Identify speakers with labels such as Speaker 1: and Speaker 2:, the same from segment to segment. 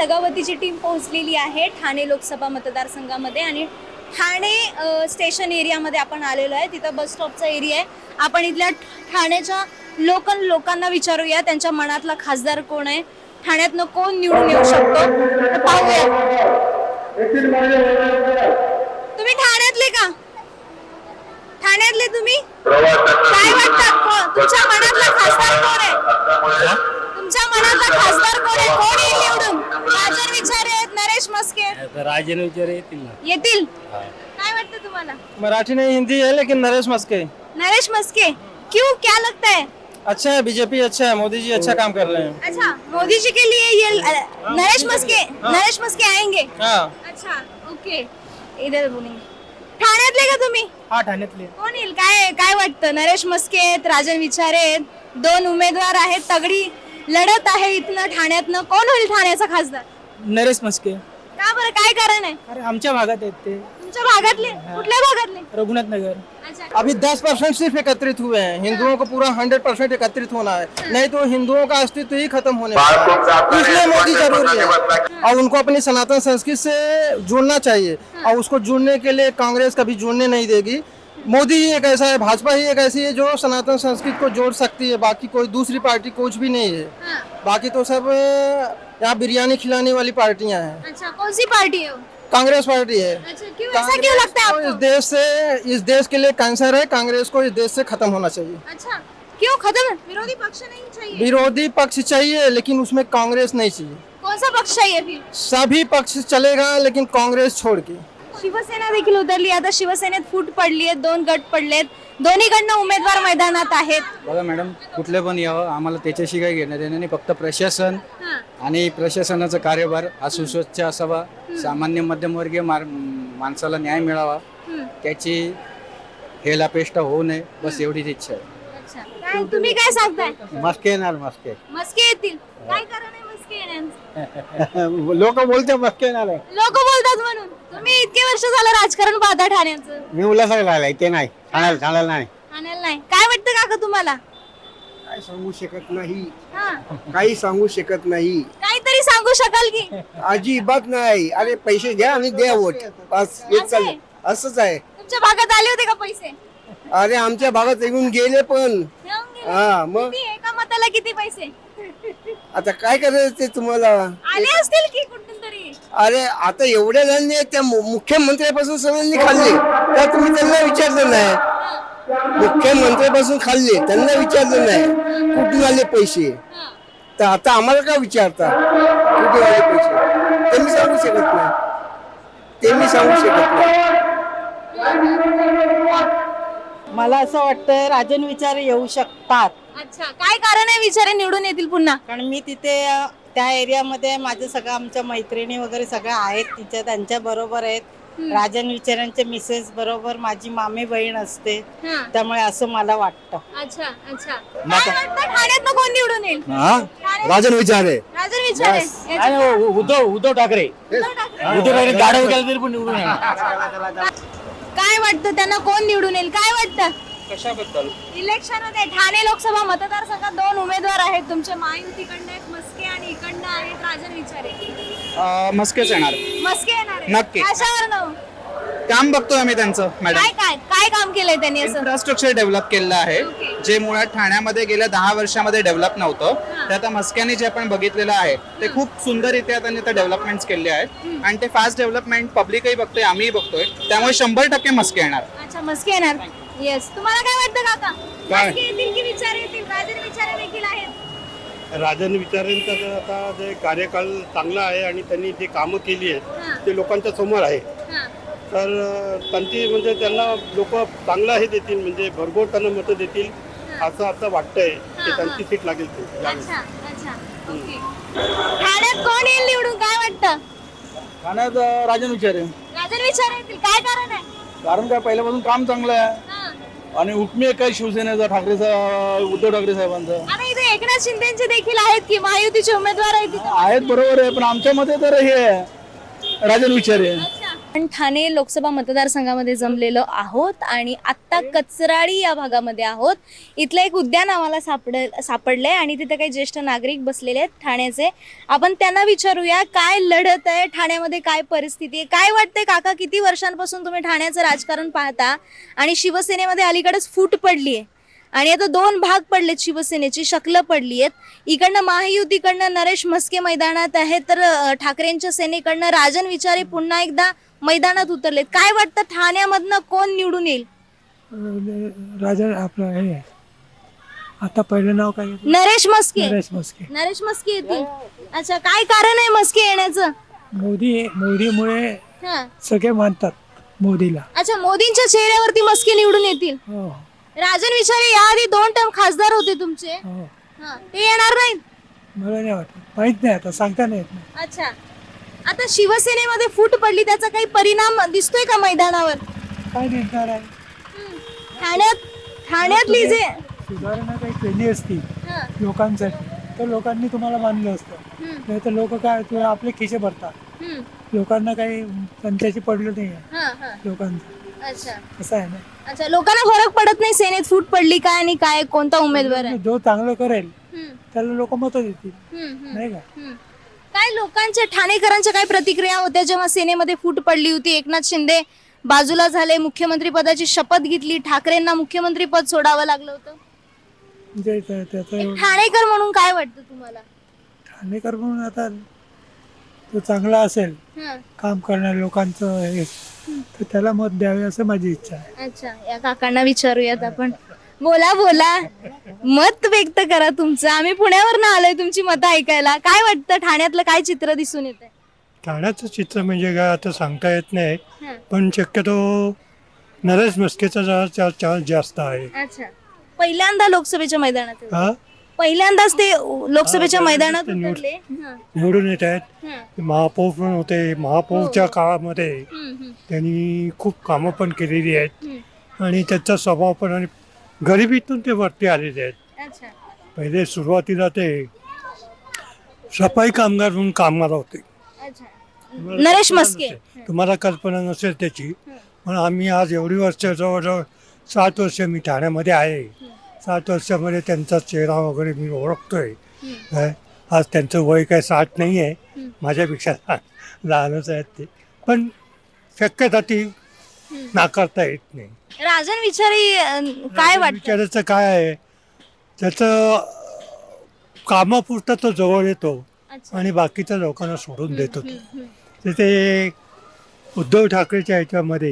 Speaker 1: सगावतीची team पोहोचलेली आहे ठाणे लोकसभा मतदारसंघामध्ये आणि ठाणे स्टेशन एरियामध्ये आपण आलेलो आहे. तिथं बस स्टॉपचा एरिया आहे. आपण इथल्या ठाण्याच्या लोकांना विचारूया त्यांच्या मनातला खासदार कोण आहे, ठाण्यातनं कोण निवडून येऊ शकतो तर पाहूया. तुम्ही ठाण्यातले का? ठाण्यातले तुम्ही? काय वाटतं तुमच्या मनातला खासदार कोण आहे? तुमच्या मनातला खासदार कोण आहे? कोण येईल निवडून? राजन विचारे आहेत, नरेश मस्के?
Speaker 2: राजन विचारे येतील ना.
Speaker 1: येतील. काय वाटतं तुम्हाला?
Speaker 3: मराठी नहीं हिंदी है लेकिन नरेश मस्के.
Speaker 1: नरेश मस्के क्यों, क्या लगता है?
Speaker 3: अच्छा है, बीजेपी अच्छा है, मोदी जी अच्छा काम कर रहे हैं.
Speaker 1: अच्छा, मोदी जी के लिए ये नरेश मस्के आएंगे.
Speaker 3: हाँ
Speaker 1: अच्छा, ओके. इधर बोलेंगे. ठाण्यातले का तुम्ही?
Speaker 3: हाँ ठाण्यातले.
Speaker 1: कोण येईल? काय वाटतं? नरेश मस्के आहेत, राजन विचारे आहेत, दोन उमेदवार आहेत, तगडी लढत आहे इथनं ठाण्यातनं. कोण होईल ठाण्याचा खासदार?
Speaker 3: नरेश मस्के.
Speaker 1: का बरं, काय कारण आहे?
Speaker 3: अरे आमच्या भागात आहेत ते.
Speaker 1: तुमच्या भागातले? कुठल्या भागातले?
Speaker 3: रघुनाथ नगर.
Speaker 1: अच्छा.
Speaker 3: अभी 10% सिर्फ एकत्रित हुए हैं. हिंदुओं को पूरा 100% एकत्रित होना है, नहीं तो हिंदुओं का अस्तित्व ही खत्म होने वाला है. इसलिए मोदी जरूरी है और उनको अपनी सनातन संस्कृति से जुड़ना चाहिए और उसको जुड़ने के लिए कांग्रेस कभी जुड़ने नहीं देगी. मोदी ही एक ऐसा है, भाजपा ही एक ऐसी है जो सनातन संस्कृति को जोड़ सकती है. बाकी कोई दूसरी पार्टी कुछ भी नहीं है.
Speaker 1: हाँ.
Speaker 3: बाकी तो सब यहाँ बिरयानी खिलाने वाली पार्टियां हैं.
Speaker 1: अच्छा, कौन सी पार्टी है वो?
Speaker 3: कांग्रेस पार्टी है.
Speaker 1: अच्छा, क्यों ऐसा क्यों लगता है
Speaker 3: कांग्रेस को
Speaker 1: आपको?
Speaker 3: इस देश के लिए कैंसर है. कांग्रेस को इस देश से खत्म होना चाहिए.
Speaker 1: अच्छा, क्यों खत्म? विरोधी पक्ष नहीं चाहिए?
Speaker 3: विरोधी पक्ष चाहिए लेकिन उसमें कांग्रेस नहीं चाहिए.
Speaker 1: कौन सा पक्ष चाहिए फिर?
Speaker 3: सभी पक्ष चलेगा लेकिन कांग्रेस छोड़ के.
Speaker 1: शिवसेना देखील उतरली. आता शिवसेनेत फूट पडली आहे, दोन गट पडलेत, दोन्हीकडनं उमेदवार मैदानात आहेत.
Speaker 2: बघा मॅडम, कुठले पण यावं, आम्हाला त्याच्याशी काही घेणं देणं नाही. फक्त प्रशासन
Speaker 1: हां.
Speaker 2: आणि प्रशासनाचा कार्यभार हा सुस्वच्छ असावा, सामान्य मध्यमवर्गीय माणसाला न्याय मिळावा, त्याची हेलापेष्टा होऊ नये, बस एवढीच इच्छा आहे.
Speaker 1: अच्छा, काय तुम्ही काय सांगताय?
Speaker 2: मस्के येणार मस्के.
Speaker 1: मस्के येतील. काय कारण आहे मस्के येण्याचं?
Speaker 2: लोक बोलते मस्के येणार आहे.
Speaker 1: लोक बोलतात म्हणून. तुम्ही इतके वर्ष झालं राजकारण पाहता ठाण्याचं.
Speaker 2: मी उल्हासाला राहिलाय, ते नाही ठाण्याला नाही.
Speaker 1: ठाण्याला नाही. काय वाटतं काका तुम्हाला?
Speaker 4: काय सांगू शकत नाही,
Speaker 1: हां.
Speaker 4: काही सांगू शकत नाही,
Speaker 1: काहीतरी सांगू शकाल की?
Speaker 4: अजिबात नाही. अरे पैसे घ्या आणि द्या वोट, बस हेच
Speaker 1: असं आहे?
Speaker 4: चाललं. असंच आहे.
Speaker 1: तुमच्या भागात आले होते का पैसे?
Speaker 4: अरे आमच्या भागात येऊन गेले पण.
Speaker 1: येऊन गेले?
Speaker 4: हा मग
Speaker 1: किती? एका मताला किती पैसे?
Speaker 4: आता काय करायचं ते तुम्हाला.
Speaker 1: आले असतील की कुठून तरी?
Speaker 4: अरे आता एवढ्या जणांनी त्या मुख्यमंत्र्यापासून सगळ्यांनी खाल्ले, तर तुम्ही त्यांना विचारलं नाही. मुख्यमंत्र्यापासून खाल्ले, त्यांना विचारलं नाही कुठून आले पैसे. तर आता आम्हाला का विचारता कुठून आले पैसे? ते मी सांगू शकत नाही.
Speaker 5: मला असं वाटतं राजन विचारे येऊ शकतात.
Speaker 1: अच्छा, काय कारण आहे विचारे निवडून येतील पुन्हा?
Speaker 5: कारण मी तिथे त्या एरियामध्ये माझं सगळं आमच्या मैत्रिणी वगैरे सगळ्या आहेत तिच्या, त्यांच्या बरोबर आहेत. राजन विचारांच्या मिसेस बरोबर माझी मामी बहीण असते,
Speaker 1: हां.
Speaker 5: त्यामुळे असं मला वाटतं.
Speaker 1: अच्छा अच्छा. काय वाटतं ठाण्यातनं कोण निवडून येईल?
Speaker 4: राजन विचारे.
Speaker 1: राजन विचारे.
Speaker 2: उद्धव ठाकरे. उद्धव ठाकरे गाडव केलं तरी पण निवडून येणार.
Speaker 1: काय वाटतं त्यांना कोण निवडून येईल? काय वाटतं?
Speaker 3: कशाबद्दल?
Speaker 1: इलेक्शन मध्ये ठाणे लोकसभा मतदारसंघात दोन उमेदवार आहेत तुमचे, महायुतीकडनं आहेत मस्के आणि इकडनं आहेत राजन विचारे.
Speaker 6: मस्केच येणार.
Speaker 1: मस्के येणार आहे?
Speaker 6: नक्की.
Speaker 1: कशावरनं?
Speaker 6: काम बघतोय आम्ही त्यांचं मॅडम.
Speaker 1: काय काम केलंय त्यांनी असं?
Speaker 6: इन्फ्रास्ट्रक्चर डेव्हलप केलेलं आहे,
Speaker 1: Okay.
Speaker 6: जे मुळात ठाण्यामध्ये गेल्या 10 वर्षामध्ये डेव्हलप नव्हतं. ते आता मस्क्याने जे आपण बघितलेलं आहे ते खूप सुंदररित्या त्यांनी ते डेव्हलपमेंट केले आहेत आणि ते फास्ट डेव्हलपमेंट पब्लिकही बघतोय, आम्हीही बघतोय, त्यामुळे 100% मस्के येणार.
Speaker 1: अच्छा, मस्के येणार. येस. तुम्हाला काय वाटतं काका?
Speaker 6: काय?
Speaker 1: मस्के येतील की विचारे येतील? राजन विचारे देखील आहेत.
Speaker 7: राजन विचारेंचं आता जे कार्यकाळ चांगला आहे आणि त्यांनी जे कामं केली आहेत ते लोकांच्या समोर आहे.
Speaker 1: हां.
Speaker 7: तर त्यांची म्हणजे त्यांना लोक चांगलं हे देतील, म्हणजे भरघोस त्यांना मतं देतील असं आता वाटतंय की त्यांची सीट लागेल ते.
Speaker 1: अच्छा अच्छा, ओके. ठाण्यात कोण येईल निवडून? काय वाटतं?
Speaker 3: ठाण्यात राजन विचारे.
Speaker 1: राजन विचारे येतील. काय कारण आहे?
Speaker 3: कारण काय, पहिल्यापासून काम चांगलं आहे
Speaker 1: हां.
Speaker 3: आणि हुकमी एक आहे शिवसेनेचा, उद्धव ठाकरे साहेबांचा.
Speaker 1: आता इथे एकनाथ शिंदेचे देखील आहेत की महायुतीचे उमेदवार आहेत तिथे?
Speaker 3: आहेत, बरोबर आहे, पण आमच्या मध्ये तर हे राजन विचारे.
Speaker 1: अच्छा, आपण ठाणे लोकसभा मतदारसंघामध्ये जमलेलो आहोत आणि आत्ता कचराळी या भागामध्ये आहोत. इथलं एक उद्यान आम्हाला सापडलंय आणि तिथे काही ज्येष्ठ नागरिक बसलेले आहेत ठाण्याचे. आपण त्यांना विचारूया काय लढत आहे ठाण्यामध्ये, काय परिस्थिती आहे, काय वाटतंय काका, किती वर्षांपासून तुम्ही ठाण्याचं राजकारण पाहता आणि शिवसेनेमध्ये अलीकडेच फूट पडली आहे आणि आता 2 भाग पडलेत, शिवसेनेची शकलं पडली आहेत. इकडनं महायुतीकडनं नरेश म्हस्के मैदानात आहेत तर ठाकरेंच्या सेनेकडनं राजन विचारे पुन्हा एकदा मैदानात उतरलेत. काय वाटतं ठाण्यामधनं कोण निवडून येईल?
Speaker 8: राजा आपलं हे आता पहिलं नाव काय घेतलं?
Speaker 1: नरेश म्हस्के.
Speaker 8: नरेश म्हस्के.
Speaker 1: नरेश म्हस्के येतील. अच्छा, काय कारण आहे म्हस्के येण्याचं?
Speaker 8: मोदीमुळे
Speaker 1: हा.
Speaker 8: सगळे मानतात मोदीला.
Speaker 1: अच्छा, मोदींच्या चेहऱ्यावरती म्हस्के निवडून येतील.
Speaker 8: हो
Speaker 1: राजन विचारे याआधी 2 टर्म खासदार होते तुमचे.
Speaker 8: हो
Speaker 1: हा, ते येणार नाहीत.
Speaker 8: मला नाही वाटत, माहित नाही, आता सांगता नाही येत नाही.
Speaker 1: अच्छा, आता शिवसेनेमध्ये फूट पडली, त्याचा काही परिणाम दिसतोय का मैदानावर?
Speaker 8: काय निर्धार आहे?
Speaker 1: ठाण्यातली जे
Speaker 8: सुधारणा काही केली असती
Speaker 1: हा,
Speaker 8: लोकांसाठी तर लोकांनी तुम्हाला मानलं असतं. नाही तर लोक काय तुला आपले खिसे भरतात.
Speaker 1: हम्म,
Speaker 8: लोकांना काही त्यांच्याशी पडलं नाही आहे
Speaker 1: हा, हा.
Speaker 8: लोकांचं.
Speaker 1: अच्छा,
Speaker 8: असं आहे ना.
Speaker 1: अच्छा, लोकांना फरक पडत नाही सेनेत फूट पडली काय आणि काय कोणता उमेदवार आहे?
Speaker 8: जो चांगलं करेल
Speaker 1: हम्म,
Speaker 8: त्याला लोक मतं देतील,
Speaker 1: हम्म, हम्म,
Speaker 8: नाही का?
Speaker 1: हम्म. काय लोकांच्या ठाणेकरांच्या काय प्रतिक्रिया होत्या जेव्हा सेनेमध्ये फूट पडली होती? एकनाथ शिंदे बाजूला झाले, मुख्यमंत्री पदाची शपथ घेतली, ठाकरेंना मुख्यमंत्री पद सोडावं लागलं होतं.
Speaker 8: म्हणजे त्याचं
Speaker 1: एक ठाणेकर म्हणून काय वाटतं तुम्हाला?
Speaker 8: ठाणेकर म्हणून आता तो चांगला असेल
Speaker 1: हा,
Speaker 8: काम करणाऱ्या लोकांचं हे तर त्याला मत द्यावे असं माझी इच्छा आहे.
Speaker 1: अच्छा, या काकांना विचारूयात आपण. बोला बोला, मत व्यक्त करा तुमचं. आम्ही पुण्यावरनं आलोय तुमची मतं ऐकायला. काय वाटतं ठाण्यातलं काय चित्र दिसून येतंय?
Speaker 9: ठाण्याचं चित्र म्हणजे काय आता सांगता येत नाही,
Speaker 1: हा,
Speaker 9: पण शक्यतो नरेश म्हस्केचा जरा चान्स जास्त आहे.
Speaker 1: अच्छा, पहिल्यांदा लोकसभेच्या मैदानात आहे.
Speaker 9: हा
Speaker 1: पहिल्यांदाच ते लोकसभेच्या
Speaker 9: हा,
Speaker 1: मैदानात
Speaker 9: पहिल्यांदाच
Speaker 1: उतरले. हा,
Speaker 9: निवडून येत आहेत.
Speaker 1: हा,
Speaker 9: महापौर पण होते. महापौरच्या काळामध्ये
Speaker 1: हम्म, हम्म,
Speaker 9: त्यांनी खूप कामं पण केलेली आहेत
Speaker 1: हम्म.
Speaker 9: आणि त्यांचा स्वभाव पण आणि गरिबीतून ते वरती आलेले आहेत.
Speaker 1: अच्छा,
Speaker 9: पहिले सुरुवातीला ते सफाई कामगार म्हणून कामगार होते.
Speaker 1: अच्छा. नरेश म्हस्के.
Speaker 9: तुम्हाला कल्पना नसेल त्याची, पण आम्ही आज एवढी वर्ष जवळजवळ 7 वर्ष मी ठाण्यामध्ये आहे. 7 वर्षामध्ये त्यांचा चेहरा वगैरे मी ओळखतोय. काय आज त्यांचं वय काय 60 नाही आहे, माझ्यापेक्षा लहानच आहेत ते, पण शक्यता ती नाकारता येत नाही.
Speaker 1: राजन विचारे काय वाटतं?
Speaker 9: विचारायचं काय आहे, त्याचं कामापुरता तो जवळ येतो
Speaker 1: अच्छा,
Speaker 9: आणि बाकीच्या लोकांना सोडून देतो.
Speaker 1: हम्म,
Speaker 9: तर ते उद्धव ठाकरेच्या ह्याच्यामध्ये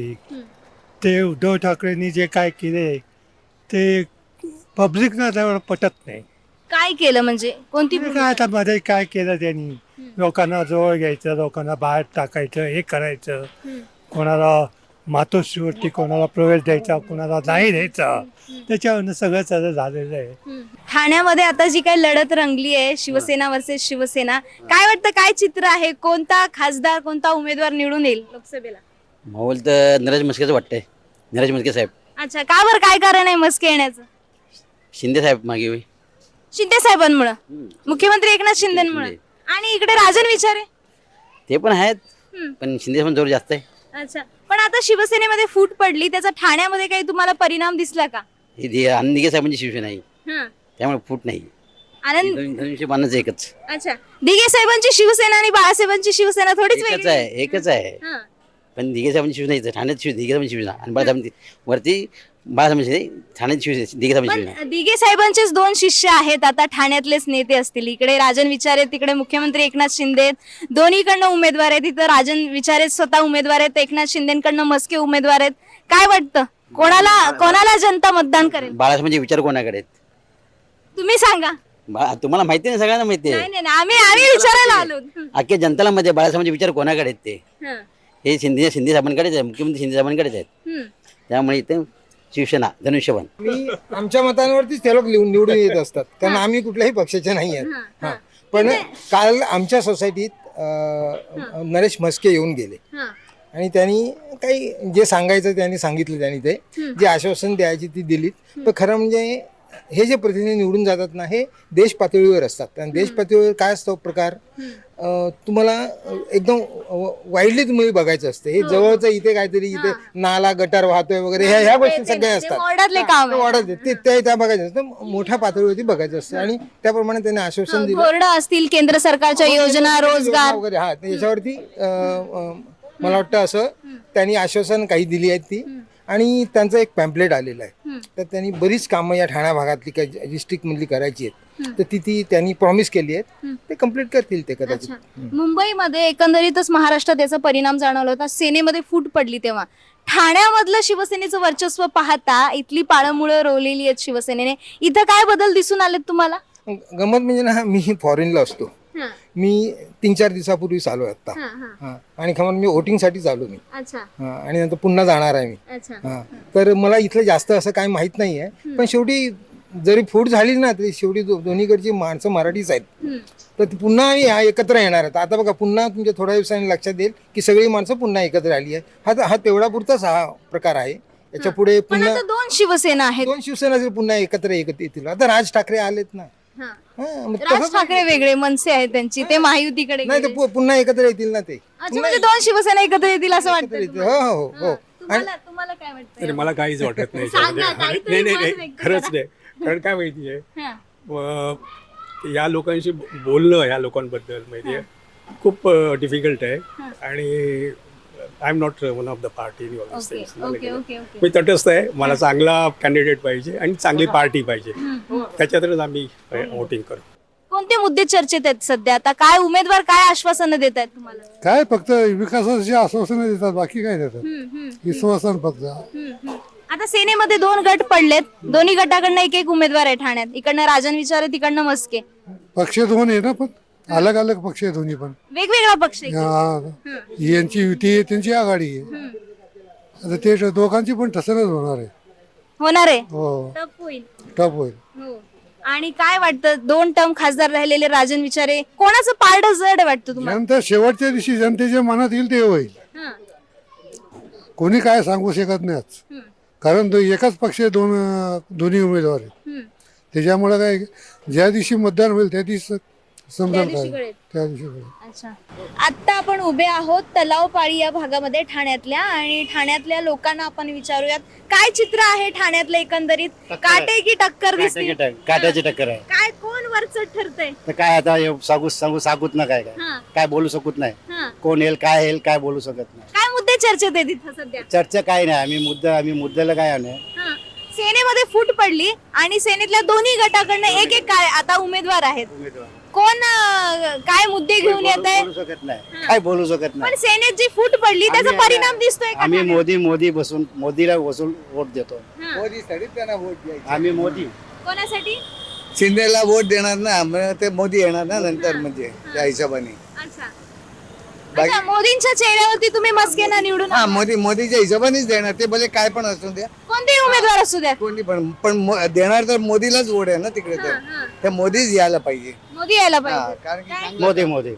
Speaker 9: ते उद्धव ठाकरेंनी जे काय केले ते पब्लिकना त्यावर पटत नाही.
Speaker 1: काय केलं म्हणजे कोणती
Speaker 9: ते काय आता मध्ये काय केलं त्यांनी, लोकांना जवळ घ्यायचं, लोकांना बाहेर टाकायचं, हे करायचं, कोणाला मातोश्रीवरती कोणाला प्रवेश द्यायचा, कोणाला नाही द्यायचा, त्याच्यावरनं सगळं सगळं झालेलं आहे.
Speaker 1: ठाण्यामध्ये आता जी काही लढत रंगली आहे शिवसेना वर्सेस शिवसेना, काय वाटतं काय चित्र आहे? कोणता खासदार, कोणता उमेदवार निवडून येईल लोकसभेला?
Speaker 10: माहोल तर नरेश म्हस्केचं वाटतंय. नरेश म्हस्के साहेब.
Speaker 1: अच्छा, का बरं, काय कारण आहे म्हस्के येण्याचं?
Speaker 10: शिंदे साहेब मागे होय.
Speaker 1: शिंदे साहेबांमुळे, मुख्यमंत्री एकनाथ शिंदेमुळे. आणि इकडे राजन विचारे
Speaker 10: ते पण आहेत, पण शिंदे पण जोर जास्त आहे.
Speaker 1: अच्छा, पण आता शिवसेनेमध्ये फूट पडली, त्याचा ठाण्यामध्ये काही तुम्हाला परिणाम दिसला का?
Speaker 10: हे आनंदिगे साहेबांची शिवसेना आहे,
Speaker 1: हं.
Speaker 10: त्यामुळे फूट नाही.
Speaker 1: आनंद.
Speaker 10: धनुष्य बाणाचं एकच.
Speaker 1: अच्छा, दिघे साहेबांची शिवसेना आणि बाळासाहेबांची शिवसेना थोडीच
Speaker 10: एकच
Speaker 1: वेगळी
Speaker 10: आहे, एकच आहे.
Speaker 1: हं.
Speaker 10: पण दिघे साहेबांची शिवसेना इथं ठाण्यात दिघे साहेबांची शिवसेना आणि बाळासाहेबांची वरती बाळासाहेबांची ठाण्यात शिवसेना, दिघे साहेबांची शिवसेना.
Speaker 1: पण दिघे साहेबांचेच 2 शिष्य आहेत आता ठाण्यातलेच नेते असतील. इकडे राजन विचारे, तिकडे मुख्यमंत्री एकनाथ शिंदे. दोन्हीकडनं उमेदवार आहेत. इथं राजन विचारे स्वतः उमेदवार आहेत, एकनाथ शिंदेकडनं म्हस्के उमेदवार आहेत. काय वाटतं कोणाला जनता मतदान करेल?
Speaker 10: बाळासाहेबांचे विचार कोणाकडे आहेत?
Speaker 1: तुम्ही सांगा.
Speaker 10: तुम्हाला माहिती आहे ना, सगळ्यांना माहिती आहे.
Speaker 1: नाही, आम्ही विचारायला आलो.
Speaker 10: अख्ख्या जनताला माहिती आहे बाळासाहेबांचे विचार कोणाकडे आहेत ते.
Speaker 1: हं.
Speaker 10: हे शिंदे साहेबांकडेच आहे, मुख्यमंत्री शिंदे साहेबांकडेच आहेत.
Speaker 1: हं.
Speaker 10: त्यामुळे इथे शिवसेना, धनुष्यबाण.
Speaker 3: मी आमच्या मतांवरतीच ते लोक निवडून येत असतात, कारण आम्ही कुठल्याही पक्षाचे नाही आहेत.
Speaker 1: हं.
Speaker 3: पण काल आमच्या सोसायटीत नरेश म्हस्के येऊन गेले
Speaker 1: हं.
Speaker 3: आणि त्यांनी काही जे सांगायचं त्यांनी सांगितलं. त्यांनी ते जे आश्वासन द्यायची ती दिलीत. पण खरं म्हणजे हे जे प्रतिनिधी निवडून जातात ना हे देश पातळीवर असतात आणि देश पातळीवर काय असतो प्रकार तुम्हाला एकदम वाईडली तुम्ही बघायचं असतं. हे जवळचं इथे काहीतरी इथे नाला गटार वाहतोय वगैरे ह्या गोष्टी सगळ्या असतात.
Speaker 1: वॉर्डातले काम आहे.
Speaker 3: वाढत ते त्या बघायचं असतं. मोठ्या पातळीवरती बघायचं असतं आणि त्याप्रमाणे त्यांनी आश्वासन दिलं
Speaker 1: बोर्ड असतील केंद्र सरकारच्या योजना रोजगार
Speaker 3: वगैरे हा याच्यावरती मला वाटतं असं त्यांनी आश्वासन काही दिली आहेत ती आणि त्यांचं एक पॅम्पलेट आलेलं आहे. तर त्यांनी बरीच कामं या ठाणा भागातली काही डिस्ट्रिक्ट मधली करायची आहेत तर ती त्यांनी प्रॉमिस केली आहेत. ते कम्प्लीट करतील ते कदाचित.
Speaker 1: मुंबईमध्ये एकंदरीतच महाराष्ट्रात याचा परिणाम जाणवला होता. सेनेमध्ये फूट पडली तेव्हा ठाण्यामधलं शिवसेनेचं वर्चस्व पाहता इथली पाळंमुळं रोवलेली आहेत शिवसेनेने. इथं काय बदल दिसून आलेत तुम्हाला?
Speaker 3: गमत म्हणजे ना मी फॉरेनला असतो. मी 3-4 दिवसापूर्वी आलो आता आणि खमर मी वोटिंगसाठी आलो मी आणि नंतर पुन्हा जाणार आहे मी. तर मला इथलं जास्त असं काही माहित नाही आहे पण शेवटी जरी फूट झाली ना तरी शेवटी दोन्हीकडची माणसं मराठीच आहेत. तर ती पुन्हा आम्ही एकत्र येणार आहेत. आता बघा पुन्हा तुमच्या थोड्या दिवसांनी लक्षात येईल की सगळी माणसं पुन्हा एकत्र आली आहे. हा तेवढा पुरताच हा प्रकार आहे. याच्या पुढे पुन्हा
Speaker 1: 2 शिवसेना आहेत.
Speaker 3: 2 शिवसेना जर पुन्हा एकत्र येतील. आता राज ठाकरे आलेत ना. मग
Speaker 1: राज ठाकरे वेगळे मनसे आहेत त्यांची ते महायुतीकडे
Speaker 3: नाही
Speaker 1: गेले.
Speaker 3: ते पुन्हा एकत्र येतील ना ते.
Speaker 1: अच्छा म्हणजे 2 शिवसेना एकत्र येतील असं वाटतं
Speaker 3: हो हो हो
Speaker 1: तुम्हाला काय वाटतं?
Speaker 9: अरे मला काहीच वाटत नाही
Speaker 1: सांगा, काहीतरी
Speaker 9: नाही
Speaker 1: मत
Speaker 9: नाही
Speaker 1: व्यक्त
Speaker 9: खरंच
Speaker 1: करा.
Speaker 9: नाही. कारण काय माहितीये
Speaker 1: हा.
Speaker 9: या लोकांशी बोलणं या लोकांबद्दल माहितीये खूप डिफिकल्ट आहे आणि I am not one of the party.
Speaker 1: Okay.
Speaker 9: मी तटस्थ आहे. मला चांगला कॅन्डिडेट पाहिजे आणि चांगली पार्टी पाहिजे त्याच्यातच आम्ही वोटिंग करू.
Speaker 1: कोणते मुद्दे चर्चेत आहेत सध्या? आता काय उमेदवार काय आश्वासनं देत आहेत तुम्हाला?
Speaker 9: काय फक्त विकासाची आश्वासनं देतात बाकी काय देतात. विश्वासन फक्त.
Speaker 1: आता सेनेमध्ये 2 गट पडलेत. दोन्ही गटाकडनं एक उमेदवार आहे ठाण्यात. इकडनं राजन विचारे तिकडनं मस्के.
Speaker 9: पक्ष दोन आहे ना पण अलग अलग पक्ष आहे दोन्ही पण.
Speaker 1: वेगवेगळा पक्ष आहे.
Speaker 9: यांची युती आहे त्यांची आघाडी आहे. आता ते दोघांची पण ठसनच होणार आहे.
Speaker 1: होणार आहे.
Speaker 9: हो
Speaker 1: टफ होईल.
Speaker 9: टप होईल.
Speaker 1: हो. आणि काय वाटतं 2 टर्म खासदार राहिलेले राजन विचारे कोणाचं पारड जड वाटतं तुम्हाला?
Speaker 9: जनता शेवटच्या दिवशी जनतेच्या मनात येईल ते होईल. कोणी काय सांगू शकत नाही कारण एकाच पक्ष दोन्ही उमेदवार आहेत. त्याच्यामुळे काय ज्या दिवशी मतदान होईल त्या दिवशी समजा त्या दिवशी.
Speaker 1: अच्छा आता आपण उभे आहोत तलावपाळी या भागामध्ये ठाण्यातल्या आणि ठाण्यातल्या लोकांना आपण विचारूयात काय चित्र आहे ठाण्यातलं एकंदरीत. काटे की टक्कर दिसते?
Speaker 10: काट्याची टक्कर आहे.
Speaker 1: काय कोण वरचढ ठरतंय?
Speaker 10: तर काय आता सांगूत ना काय काय बोलू शकत नाही. कोण येईल काय बोलू शकत नाही.
Speaker 1: काय मुद्दे चर्चेत आहेत इथं सध्या?
Speaker 10: चर्चा काय नाही. आम्ही मुद्द्याला काय नाही.
Speaker 1: सेनेमध्ये फूट पडली आणि सेनेतल्या दोन्ही गटाकडनं एक काय आता उमेदवार आहेत. कोण काय मुद्दे घेऊन येत आहे?
Speaker 10: बोलू शकत नाही. काय बोलू शकत नाही.
Speaker 1: पण सेनेत जी फूट पडली त्याचा परिणाम दिसतोय का?
Speaker 10: आम्ही मोदी बसून मोदीला वसूल वोट देतो.
Speaker 3: मोदीसाठी त्यांना वोट द्यायचं.
Speaker 10: आम्ही मोदी
Speaker 1: कोणासाठी?
Speaker 4: शिंदेला वोट देणार ना मग ते मोदी येणार ना नंतर म्हणजे त्या हिशोबाने.
Speaker 1: अच्छा मोदींच्या चेहऱ्यावरती तुम्ही मस्केना निवडून
Speaker 4: हा मोदीच्या हिशोबानेच देणार ते भले काय पण असू द्या
Speaker 1: कोणतेही उमेदवार असू द्या.
Speaker 4: कोणी पण देणार तर मोदीलाच वोट आहे ना तिकडे. तर मोदीच यायला पाहिजे.
Speaker 1: मोदी यायला पाहिजे.
Speaker 4: कारण की
Speaker 10: मोदी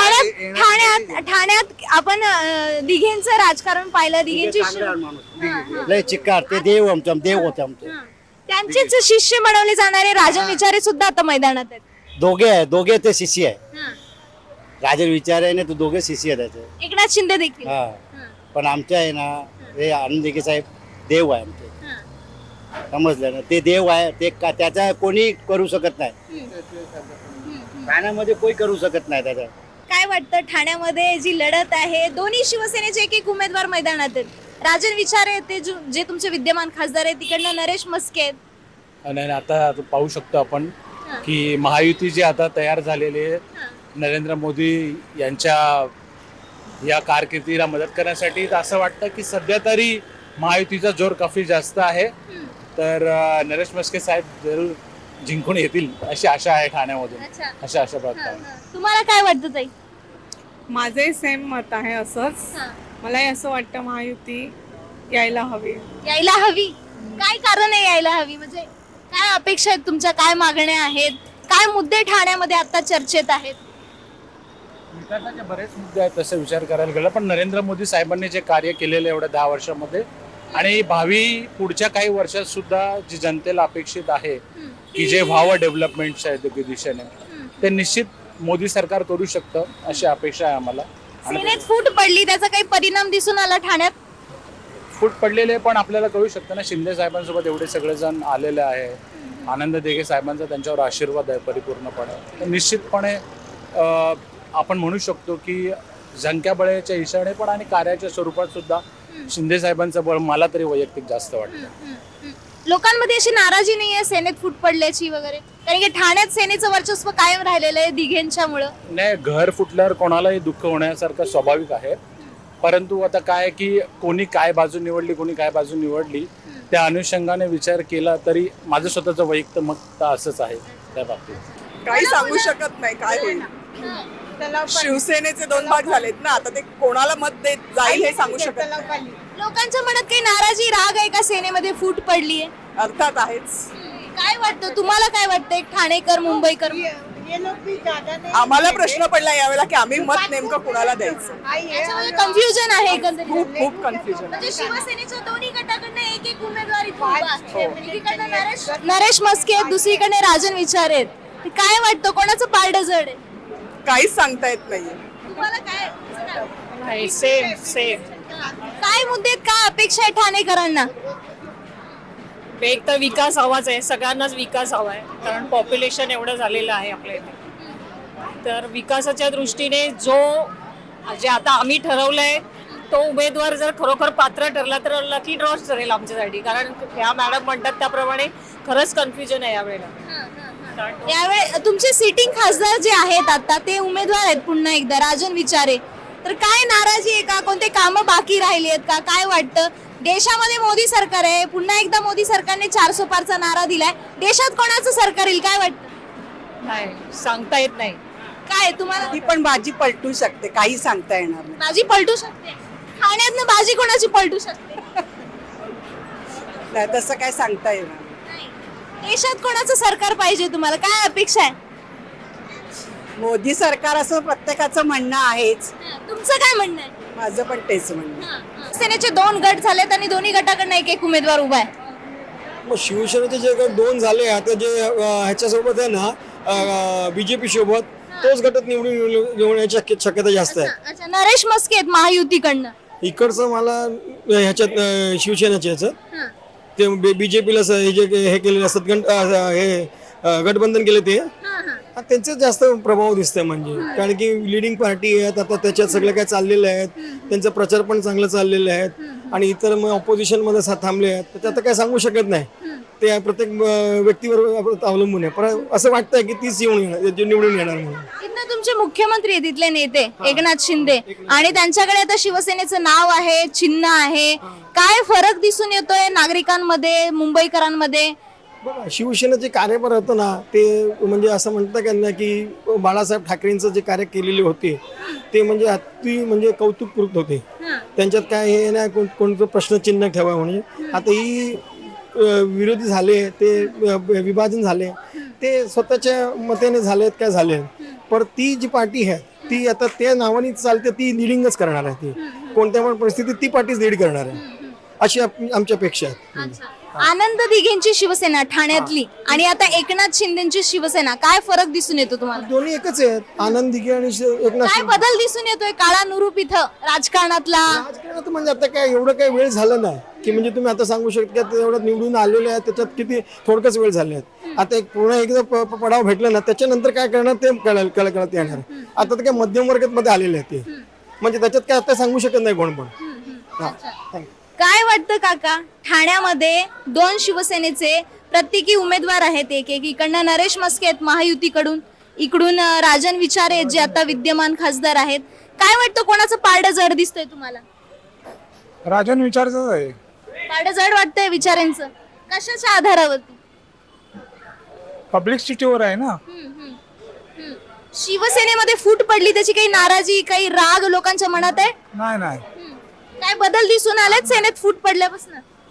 Speaker 1: ठाण्यात आपण दिघेंचं राजकारण पाहिलं. दिघेंची
Speaker 10: लय चिक्कार ते देव देव होते आमचे.
Speaker 1: त्यांचेच शिष्य बनवले जाणारे राजन विचारे सुद्धा आता मैदानात आहेत.
Speaker 10: दोघे ते शिष्य आहे. राजन विचारे ना तो दोघे शिष्य आहे त्याचे.
Speaker 1: एकनाथ शिंदे देखील.
Speaker 10: पण आमच्या आहे ना हे आनंद दिघे साहेब देव आहे आमचे. समजलं ना ते देव आहे ते त्याचा कोणी करू शकत नाही. ठाण्यामध्ये कोणी करू शकत नाही त्याचा.
Speaker 1: काय वाटतं ठाण्यामध्ये जी लढत आहे दोन्ही शिवसेनेचे एक उमेदवार मैदानात आहेत. राजन विचारे ते जे तुमचे विद्यमान खासदार आहेत तिकडनं नरेश मस्के आहेत.
Speaker 2: आणि आता पाहू शकतो आपण की महायुती जी आता तयार झालेली आहे नरेंद्र मोदी यांच्या या कारकिर्दीला मदत करण्यासाठी असं वाटतं की सध्या तरी महायुतीचा जोर काफी जास्त आहे. तर नरेश मस्के साहेब जरूर जिंकून येतील अशी आशा आहे ठाण्यामधून. अशा आशा बघतात.
Speaker 1: तुम्हाला काय वाटतं ताई?
Speaker 5: माझे सेम मत आहे असंच. मलाही असं वाटतं महायुती यायला हवी.
Speaker 1: यायला हवी. काय कारण आहे यायला हवी? म्हणजे काय अपेक्षा आहेत तुमच्या? काय मागण्या आहेत? काय मुद्दे ठाण्यामध्ये आता चर्चेत आहेत?
Speaker 2: विकासाचे बरेच मुद्दे आहेत तसे विचार करायला गेला पण नरेंद्र मोदी साहेबांनी जे कार्य केलेलं एवढ्या 10 वर्षामध्ये आणि भावी पुढच्या काही वर्षात सुद्धा जी जनतेला अपेक्षित आहे की जे व्हावं डेव्हलपमेंटच्या दिशेने ते निश्चित मोदी सरकार करू शकतं अशी अपेक्षा आहे आम्हाला.
Speaker 1: सेनेत फूट पडली, त्याचा काही परिणाम दिसून आला ठाण्यात?
Speaker 2: फूट पडलेले पण आपल्याला कळू शकतं ना. शिंदे साहेबांसोबत एवढे सगळेजण आलेले आहे, आनंद दिघे साहेबांचा त्यांच्यावर आशीर्वाद आहे परिपूर्णपणे. तर निश्चितपणे आपण म्हणू शकतो की संख्याबळाच्या इशाने पण आणि कार्याच्या स्वरूपात सुद्धा शिंदे साहेबांचं बळ मला तरी वैयक्तिक जास्त वाटतं.
Speaker 1: लोकांमध्ये अशी नाराजी नाहीये सेनेत फूट पडल्याची वगैरे? कारण की ठाण्यात सेनेचं वर्चस्व कायम राहिलेलं आहे दिघेंच्यामुळं.
Speaker 2: नाही, घर फुटल्यावर कोणालाही दुःख होण्यासारखं स्वाभाविक आहे. परंतु आता काय की कोणी काय बाजू निवडली, कोणी काय बाजू निवडली, त्या अनुषंगाने विचार केला तरी माझं स्वतःचं वैयक्तिक मत असंच आहे त्या बाबतीत.
Speaker 11: काही सांगू शकत नाही काय होईल. शिवसेनेचे 2 भाग झालेत ना, आता ते कोणाला मत देत जाईल हे सांगू शकत नाही.
Speaker 1: लोकांच्या मनात काही नाराजी, राग आहे का सेनेमध्ये फूट पडलीये?
Speaker 11: अर्थात आहेच.
Speaker 1: काय वाटतं तुम्हाला? काय वाटतं एक ठाणेकर मुंबईकर?
Speaker 11: आम्हाला प्रश्न पडला यावेळेला की आम्ही मत नेमकं कुणाला द्यायचं.
Speaker 1: कन्फ्युजन आहे एकंदरीत.
Speaker 11: खूप कन्फ्युजन.
Speaker 1: म्हणजे शिवसेनेच्या दोन्ही गटाकडनं एक उमेदवार इथं उभा आहे. एकीकडनं नरेश म्हस्के आहेत, दुसरीकडे राजन विचारे आहेत. काय वाटतं कोणाचं पारडं जड आहे?
Speaker 11: काहीच सांगता येत नाहीये.
Speaker 1: तुम्हाला काय?
Speaker 5: सेम
Speaker 1: काय मुद्दे आहेत, काय अपेक्षा आहे ठाणेकरांना?
Speaker 5: एक तर विकास हवाच आहे, सगळ्यांनाच विकास हवा आहे, कारण पॉप्युलेशन एवढं झालेलं आहे आपल्या इथे. तर विकासाच्या दृष्टीने जे आता आम्ही ठरवलंय तो उमेदवार जर खरोखर पात्र ठरला तर लकी ड्रॉच ठरेल आमच्यासाठी, कारण ह्या मॅडम म्हणतात त्याप्रमाणे खरंच कन्फ्युजन आहे यावेळेला.
Speaker 1: यावेळी तुमचे सिटिंग खासदार जे आहेत आता ते उमेदवार आहेत पुन्हा एकदा राजन विचारे. तर काय नाराजी आहे का? कोणते कामं बाकी राहिली आहेत का? काय वाटतं? देशामध्ये मोदी सरकार आहे, पुन्हा एकदा मोदी सरकारने 400 पारचा नारा दिलाय. देशात कोणाचं सरकार येईल काय वाटतं?
Speaker 5: नाही सांगता येत नाही.
Speaker 1: काय तुम्हाला?
Speaker 11: ती पण बाजी पलटू शकते, काही सांगता येणार नाही.
Speaker 1: बाजी पलटू शकते. ठाण्यातनं बाजी कोणाची पलटू शकते?
Speaker 11: नाही तसं काय सांगता येणार.
Speaker 1: देशात कोणाचं सरकार पाहिजे तुम्हाला? काय अपेक्षा आहे?
Speaker 11: मोदी सरकार असं प्रत्येकाचं म्हणणं आहेच.
Speaker 1: तुमचं काय म्हणणं आहे?
Speaker 11: माझं पण तेच म्हणणं.
Speaker 1: सेनेचे 2 गट झालेत आणि दोन्ही गटाकडनं एक उमेदवार उभा आहे.
Speaker 3: मग शिवसेनेचे जे गट 2 झाले आता जे ह्याच्यासोबत आहे ना बीजेपी सोबत, तोच गटात निवडून येण्याची शक्यता जास्त आहे.
Speaker 1: अच्छा, नरेश म्हस्के आहेत महायुतीकडनं.
Speaker 3: इकडचं मला ह्याच्यात शिवसेनेच्या ह्याचं ते बीजेपीला हे केलेले असतात हे गठबंधन केले ते त्यांचे जास्त प्रभाव दिसतंय. म्हणजे कारण की लिडिंग पार्टी आहेत आता, त्याच्यात सगळं काय चाललेलं आहेत, त्यांचा प्रचार पण चांगलं चाललेलं आहेत आणि इतर मग ऑपोजिशन मध्ये थांबले आहेत. त्याच्यात आता काय सांगू शकत नाही, ते प्रत्येक व्यक्तीवर अवलंबून आहे. पण असं वाटतंय की तीच निवडून येणार म्हणून.
Speaker 1: इथनं तुमचे मुख्यमंत्री आहेत इथले नेते एकनाथ शिंदे आणि त्यांच्याकडे आता शिवसेनेचं नाव आहे, चिन्ह आहे. काय फरक दिसून येतोय नागरिकांमध्ये, मुंबईकरांमध्ये?
Speaker 3: बघा, शिवसेनेचे कार्यभार होतं ना ते म्हणजे असं म्हणतं का ना की बाळासाहेब ठाकरेंचं जे कार्य केलेले होते ते म्हणजे अति म्हणजे कौतुकपूर्त होते. त्यांच्यात काय हे नाही कोणतं प्रश्नचिन्ह ठेवा म्हणजे. आता ही विरोधी झाले, ते विभाजन झाले, ते स्वतःच्या मतेने झालेत काय झाले. पण ती जी पार्टी आहे ती आता त्या नावाने चालते, ती लिडिंगच करणार आहे. ती कोणत्या पण परिस्थितीत ती पार्टीच लीड करणार आहे अशी आमची अपेक्षा आहे.
Speaker 1: आनंद दिघेंची शिवसेना ठाण्यातली आणि आता एकनाथ शिंदेची शिवसेना, काय फरक दिसून येतो तुम्हाला?
Speaker 3: दोन्ही एकच आहेत, आनंद दिघे आणि एकनाथ
Speaker 1: काय बदल दिसून येतोय काळानुरूप इथं राजकारणातला?
Speaker 3: राजकारणात म्हणजे आता काय एवढं काही वेळ झालं नाही की म्हणजे तुम्ही आता सांगू शकता की एवढं निवडून आलेले आहेत, त्याच्यात किती थोडकच वेळ झाले आहेत. आता एक पूर्ण एकदा पडाव भेटला ना त्याच्यानंतर काय करणार ते कळत येणार. आता तर काय मध्यम वर्गात आलेले आहेत ते, म्हणजे त्याच्यात काय आता सांगू शकत नाही कोण पण.
Speaker 1: काय वाटतं काका, ठाण्यामध्ये 2 शिवसेनेचे प्रत्येकी उमेदवार आहेत, एक इकडनं नरेश म्हस्के आहेत महायुतीकडून, इकडून राजन विचारे जे आता विद्यमान खासदार आहेत. काय वाटतं कोणाचं पारडं जड दिसतंय तुम्हाला?
Speaker 9: राजन विचारच आहे.
Speaker 1: पारडं जड वाटतंय विचारांचं? कशाच्या आधारावरती?
Speaker 9: पब्लिक सिटीवर आहे ना.
Speaker 1: शिवसेनेमध्ये फूट पडली, त्याची काही नाराजी, काही राग लोकांच्या मनात आहे?
Speaker 9: नाही.
Speaker 1: काय बदल दिसून आलेत सेनेत फूट पडल्यापासून?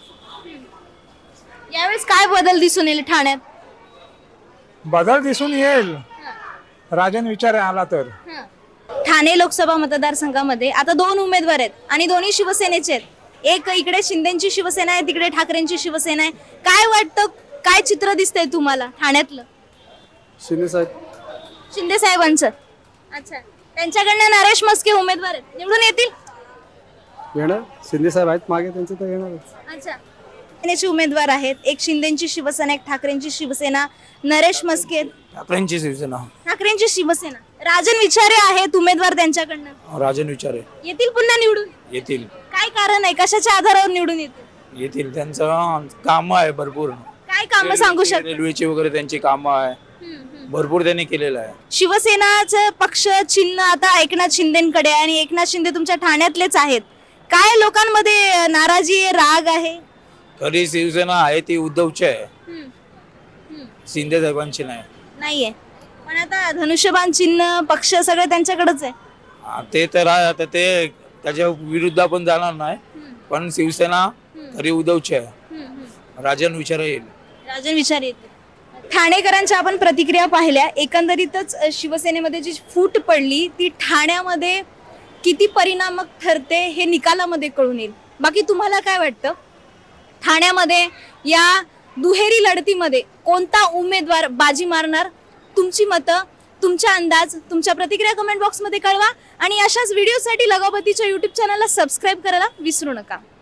Speaker 1: यावेळेस काय बदल दिसून येईल ठाण्यात?
Speaker 9: बदल दिसून येईल राजन विचार आला तर.
Speaker 1: ठाणे लोकसभा मतदारसंघामध्ये आता 2 उमेदवार आहेत आणि दोन्ही शिवसेनेचे आहेत. एक इकडे शिंदेची शिवसेना आहे, तिकडे ठाकरेंची शिवसेना आहे. काय वाटतं, काय चित्र दिसतंय तुम्हाला ठाण्यातलं?
Speaker 3: शिंदे साहेब.
Speaker 1: शिंदे साहेबांचं. अच्छा, त्यांच्याकडनं नरेश म्हस्के उमेदवार आहेत, निवडून येतील?
Speaker 3: येणार शिंदे साहेब आहेत मागे, त्यांचं तर येणारच.
Speaker 1: अच्छा, शिवसेनेचे उमेदवार आहेत, एक शिंदेची शिवसेना, एक ठाकरेंची शिवसेना, नरेश म्हस्के.
Speaker 2: ठाकरेंची शिवसेना.
Speaker 1: ठाकरेंची शिवसेना. राजन विचारे आहेत उमेदवार त्यांच्याकडनं,
Speaker 2: राजन विचारे
Speaker 1: येतील पुन्हा निवडून?
Speaker 2: येतील.
Speaker 1: काय कारण आहे, कशाच्या आधारावर निवडून येतील?
Speaker 2: येतील. त्यांचं काम आहे भरपूर.
Speaker 1: काय काम सांगू शकता?
Speaker 2: रेल्वेची वगैरे त्यांची कामं आहे, भरपूर त्यांनी केलेलं आहे.
Speaker 1: शिवसेनाचं पक्ष चिन्ह आता एकनाथ शिंदेकडे आहे आणि एकनाथ शिंदे तुमच्या ठाण्यातलेच आहेत. काय लोकांमध्ये नाराजी आहे, राग आहे?
Speaker 2: खरी शिवसेना आहे ती उद्धवची आहे, शिंदे साहेबांची नाही.
Speaker 1: नाहीये, पण आता धनुष्यबाण चिन्ह पक्ष सगळं त्यांच्याकडेच आहे.
Speaker 2: ते तर आहे. आता ते त्याच्या विरुद्ध आपण जाणार नाही, पण शिवसेना खरी उद्धवची आहे. राजन विचारे येईल.
Speaker 1: राजन विचारे येतील. ठाणेकरांच्या आपण प्रतिक्रिया पाहिल्या. एकंदरीतच शिवसेनेमध्ये जी फूट पडली ती ठाण्यामध्ये किती परिणामक ठरते हे निकालामध्ये कळून येईल. बाकी तुम्हाला काय वाटतं, ठाण्यामध्ये या दुहेरी लढतीमध्ये कोणता उमेदवार बाजी मारणार? तुमची मतं, तुमचा अंदाज, तुमच्या प्रतिक्रिया कमेंट बॉक्समध्ये कळवा आणि अशाच व्हिडिओसाठी लगावतीच्या यूट्यूब चॅनलला सबस्क्राईब करायला विसरू नका.